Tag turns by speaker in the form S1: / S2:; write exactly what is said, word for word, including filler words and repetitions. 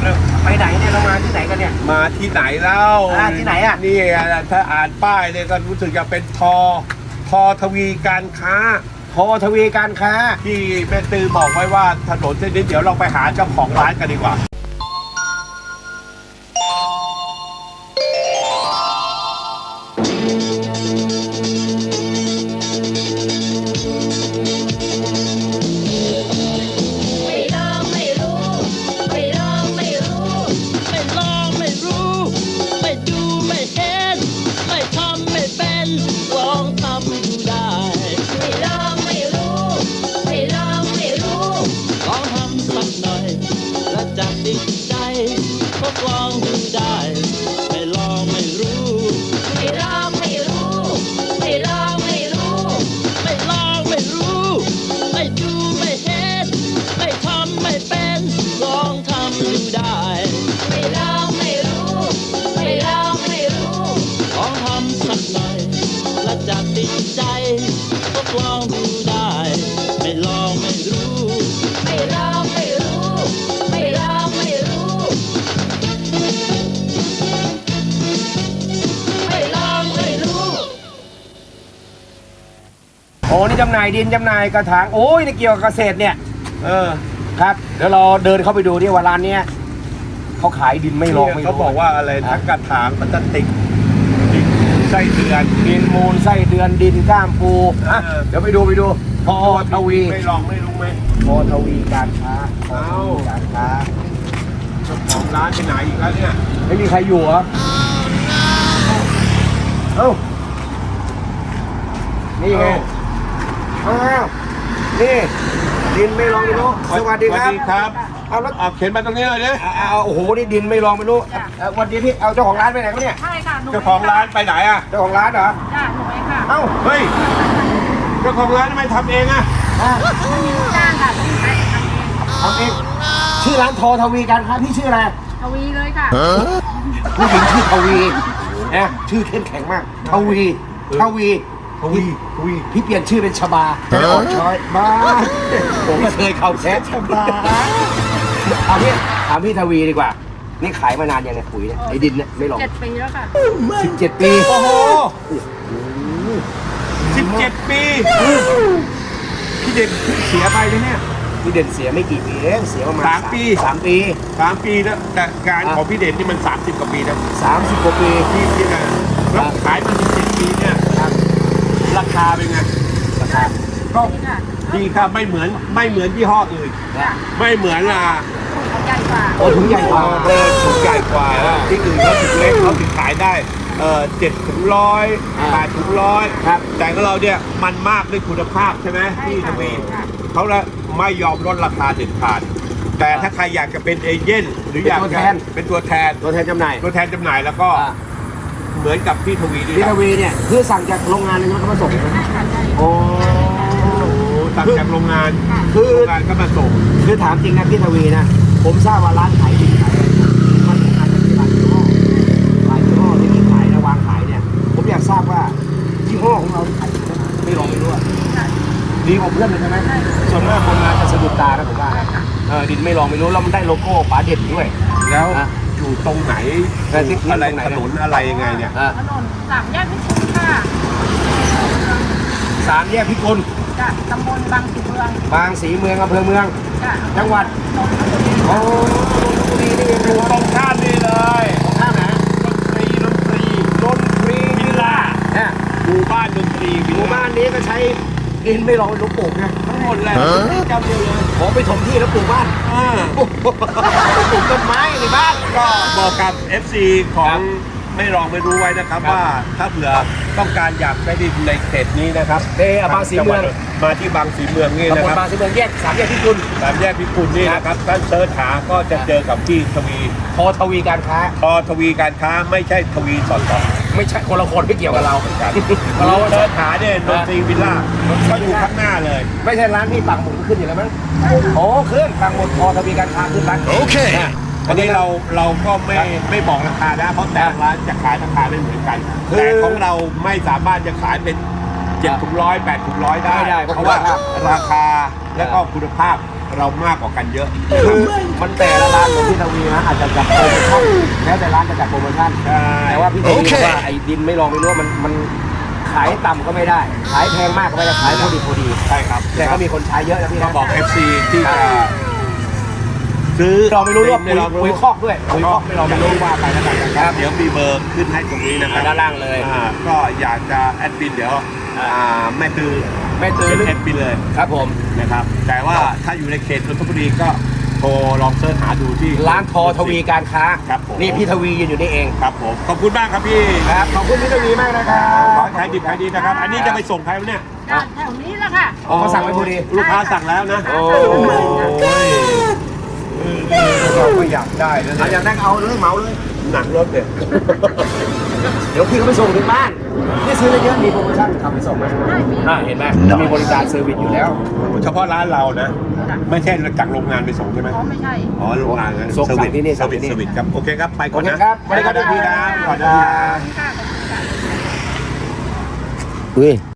S1: ไปไหนเนี่ยเรามาที่ไหนกันเนี่ย
S2: มาที่ไหนเล่า
S1: ที่ไหนอ่ะ
S2: นี่ถ้าอ่านป้ายเนี่ยก็รู้สึกจะเป็นทอทอทวีการค้า
S1: ทอทวีการค้า
S2: ที่แม่ตือบอกไว้ว่าถนนเส้นนี้เดี๋ยวเราไปหาเจ้าของร้านกันดีกว่า
S1: โอ้นี่จำหน่ายดินจำหน่ายกระถางโอ้ยนี่เกี่ยวกับเกษตรเนี่ยเออครับเดี๋ยวเราเดินเข้าไปดูที่ว่าร้านเนี้ยเขาขายดินไม่ลองไม่รู้
S2: เขาบอกว่าอะไรทั้งกระถางพลาสติกดินไส้เดือน
S1: ดินมูลไส้เดือนดินก้ามปูอ่ะเดี๋ยวไปดูไปดูทอทวี
S2: ไม่ลองไม่รู้ไหม
S1: ทอทวีการค้าทอทวีการค้า
S2: เจ้าของร้านไปไหนอีกแล้วเนี่ย
S1: ไม่มีใครอยู่เหรอเอ้านี่ไงอ้าวนี่ดินไม่ลองไม่รู้สวัสดีครับ
S2: สวัสดีครับ
S1: เอาแล้ว
S2: เอาเข็นมาตรงนี้เลยดิ
S1: เอาโอ้โหนี่ดินไม่ลองไม่รู้วันนี้พี่เอาเจ้าของร้านไปไหนเขาเนี่ย
S3: ใช่ค่ะ
S2: เจ้าของร้านไปไหนอ่ะ
S1: เจ้าของร้านเหรอ
S3: จ้าหนูเองค่ะ
S1: เอ้า
S2: เฮ้ยเจ้าของร้านทำไมทำเองอ่ะ
S3: ไม่มีลูกจ้างค่ะต้องใช้ทำเอง
S1: ทำเองชื่อร้านทอทวีการค้าพี่ชื่ออะไร
S3: ทวีเลยค่ะ
S1: ผู้หญิงชื่อทวีนะชื่อเข้มแข็งมากทวีทวี
S2: ทวีทวี
S1: พี่เปลี่ยนชื่อเป็นชบาแต่อ่อนช้อยบ้าผมก็เคยเข้าแซะชบาถามพี่ถามพี่ทวีดีกว่านี่ขายมานานยังไงปุ๋ยเนี่ยไอ้ดินเนี่ยไม่ลอง
S3: เจ็ดปีแล้วค่ะ
S1: สิบเจ็ดปี
S2: โอ้โหสิบเจ็ดปีพี่เด่นเสียไปเลยเนี่ย
S1: พี่เด่นเสียไม่กี่ปีเองเสียประมาณ
S2: สามปี
S1: สามปี
S2: สามปีแล้วแต่การของพี่เด่นนี่มันสามสิบกว่าปีนะ
S1: สามสิบกว่าปี
S2: พี่พี่นะแล้วขายมาสิบเจ็ดปีเนี่ยราคาเป็นไงราคาก็ดีครับไม่เหมือนไม่เหมือนยี่ห้ออื่นไม่เหมือนอ่ะ
S3: ใหญ่กว่า
S1: โอ้ถุงใหญ่กว่า
S2: เออถุงใหญ่กว่าที่อื่นเขาถุงเล็กเขาถึงขายได้เออเจ็ดถุงร้อยแปดถุงร้อยครับแต่ของเราเนี่ยมันมากด้วยคุณภาพใช่ไหมพี่ทวีเขาละไม่ยอมลดราคาเด็ดขาดแต่ถ้าใครอยากจะเป็นเอเจนต์หรืออยากจะเป็นตัวแทน
S1: ตัวแทนจำหน่าย
S2: ตัวแทนจำหน่ายแล้วก็เหมือนกับพี่ทวีนี่
S1: พี่ทวีเนี่ยคือสั่งจากโรงงานเลยนะเขามาส่งโอ้
S2: สั่งจากโรงงาน
S1: คือ
S2: โรงงานก็มาส่ง
S1: คือถามจริงนะพี่ทวีนะผมทราบว่าร้านขายดินขายมันอาจจะมีหลายยี่ห้อหลายยี่ห้อที่มีขายและวางขายเนี่ยผมอยากทราบว่ายี่ห้อของเราขายไม่ลองไม่รู้ดีกว่าเพื่อนเลยใช่ไหมส่วนมากคนงานจะสะดุดตานะผมว่าเออดินไม่ลองไม่รู้แล้วมันได้โลโก้ป๋าเด็ดด้วย
S2: แล้วอยู่ตรงไหนอะไรถนนอะไรยังไงเนี่ย
S3: ถนนสามแยกพิกุลค่ะ
S1: สามแยกพิกุล
S3: จ้ะตำบลบางสีเมือง
S1: บางสีเมืองอำเภอเมือง
S3: จ้ะ
S1: จังหวัด
S3: นนทบุรี
S1: โอ้ดีนี่
S2: อยู่ตรงข้ามนี่เลย
S1: ตรงข้ามไหน
S2: ดนตรีดนตรี
S1: ดนตรี
S2: วิลล่า
S1: เนี่ย
S2: หมู่บ้านดนตรี
S1: หมู่บ้านนี้ก็ใช้ดินไม่ลองลูกปลูกนะ
S2: ทั้งหมดเลยจำเดียวเลย
S1: ขอไปถมที่แล้วปลูกบ้านปลูกต้นไม้ในบ้าน
S2: ก็บอกกับ เอฟ ซี ของไม่ลองไม่รู้ไว้นะครับว่าถ้าเผื่อต้องการอยากได้ดินในเขตนี้นะครับ
S1: เออบางสีเมือง
S2: มาที่บางสีเมืองนี่นะครับ
S1: บางสีเมืองแยกสามแยกพิกุล
S2: สามแยกพิกุลนี่นะครับท่านเสิร์ชหาก็จะเจอกับพี่ทวี
S1: ทอทวีการค้า
S2: ทอทวีการค้าไม่ใช่ทวีสอดต่อ
S1: ไม่ใช่คนละคนไม่เกี่ยวกับเราเหมือนกัน
S2: เราเสิร์ชหาเนี่ยดนตรีวิลล่าก็อยู่ข้างหน้าเลย
S1: ไม่ใช่ร้านที่ปักหมุดขึ้นอยู่แล้วมั้งโอ้ขึ้นปักหมุดทอทวีการค้าขึ้นร้าน
S2: โอเคอันนี้เราเราก็ไม่ไม่บอกราคานะเพราะแต่ร้านจะขายราคาไม่เหมือนกันแต่ของเราไม่สามารถจะขายเป็นเจ็ดถุงร้อยแปดถุงร้อยได้เพราะว่าราคาและก็คุณภาพเรามากกว่ากันเยอะ
S1: คือมันแต่ละร้านของพี่ทวีนะอาจจะจัดโปรโมชั่นแล้วแต่ร้านจะจัดโปรโมชั่น
S2: ใช่
S1: แต่ว่าพี่ทวีบอกว่าไอ้ดินไม่ลองไม่รู้ว่ามันมันขายต่ำก็ไม่ได้ ขายแพงมากก็ไม่ได้ขายพอดีพอดี
S2: ใช่ครับ
S1: แต่ก็มีคนใช้เยอะนะพี่
S2: ก็
S1: นะ
S2: บอก เอฟ ซี ที่จะซื้อ
S1: เราไม่รู้ว่า
S2: ไม่
S1: ปุ๋ย
S2: ลองรู้
S1: ปุ๋ยคอกด้วยปุ๋ยคอกไม่ลองไม่รู้ว่าไปแล้วกันนะครับ
S2: เดี๋ยวมีเบอร์ขึ้นให้ตรงนี้นะครับ
S1: ด้านล่างเลย
S2: อ่าก็อยากจะแอดมินเดี๋ยวอ่าแม่ตือ
S1: แม่ตือ
S2: เป็นแอดมินเลย
S1: ครับผม
S2: นะครับ แต่ว่าถ้าอยู่ในเขตนนทบุรีก็โทรลองเสิร์ชหาดูที่
S1: ร้านทอทวีการค้า
S2: ครับผม
S1: นี่พี่ทวียืนอยู่นี่เอง
S2: ครับผมขอบคุณมากครับพี่
S1: ครับขอบคุณพี่ทวีมากนะครับ
S2: ขอให้ขายดีขายดีนะครับ อันนี้จะไปส่งใครวะเนี่ย
S3: ด้านแถวนี้แหละค่ะ
S1: อ๋อเขาสั่งไว้พอดี
S2: ลูกค้าสั่งแล้วนะ
S1: โอ้
S2: ยเราก็อยากได้นะ
S1: เอาอย่างนั้นเอาเลยเหมาเลย
S2: หนังรถเนี่ย
S1: เดี๋ยวพี่เขาไปส่งถึงบ้านนี่ซื้อเยอะๆมีโปรโมชั่นขับไปส่งไหม
S3: ได้มี
S1: อ่าเห็นไหมมีบริการเซอร์วิสอยู่แล้ว
S2: เฉพาะร้านเรานะ ไม่ใช่จากโรงงานไปส่งใช่ไหม
S3: อ๋อไม่ใช่
S2: อ๋อโรงงานนะ
S1: ส่ง
S2: เซอร์วิส
S1: สั่งที่นี่
S2: เซอร์วิส
S1: สั่งที่นี่
S2: เซอร์วิสครับโอเคครับไปก่อน
S1: โอเค
S2: นะครับ
S1: ไปก่อนนะ
S2: พี่ครับ
S1: พี่
S2: ก่อน
S1: ครั
S2: นะ
S1: บ
S3: ค่ะขอบคุณค่ะ
S1: อุ้ย